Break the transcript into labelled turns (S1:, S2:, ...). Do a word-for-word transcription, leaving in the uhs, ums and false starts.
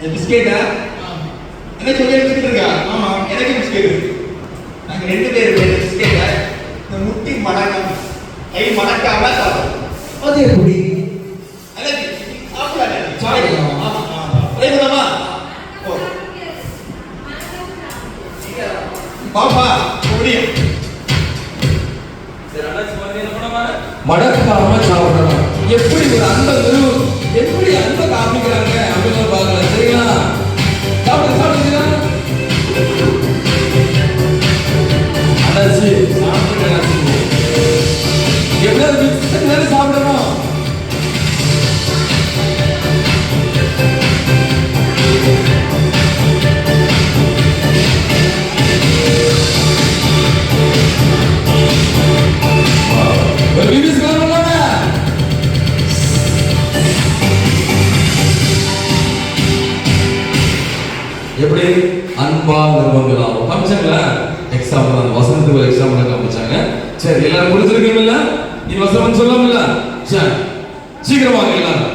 S1: பிஸ்கெட்டா என்ன சொல்லி பிஸ்கெட் இருக்கா? ஆமா, எனக்கு பிஸ்கெட் இருக்கு. நாங்க ரெண்டு பேரும் பேர் பிஸ்கெட்டை இந்த முட்டி மடக்காம கை மடக்காம சாப்பிடுவோம்.
S2: அது எப்படி?
S1: எனக்கு சாப்பிடாது
S2: சாப்பிடலாம்.
S1: ஆமா ஆமா ட்ரை பண்ணலாமா? ஓ பாப்பா முடியும்.
S2: மடக்காம சாப்பிடணும். எப்படி ஒரு அன்பை நிறுவனம் எப்படி அன்பை காமிக்கிறாங்க அப்படின்னு பார்க்கலாம். சரிங்களா? சாப்பிடுங்க சாப்பிடுங்க. அண்ணாச்சி சாப்பிடுங்க அண்ணாச்சி. எப்படியாவது மிக்ஸ் பண்ணி சாப்பிடணும். எப்படி அன்பா நிர்பந்தம் காமிச்சாங்களா? எக்ஸாம்பிள் அந்த வசனத்துக்கு ஒரு எக்ஸாம்பிள் காமிச்சாங்க. சரி எல்லாரும் புரிஞ்சிருக்கீங்கல்ல? நீ வசனம் சொல்லாமல்ல? சரி சீக்கிரமாக எல்லாரும்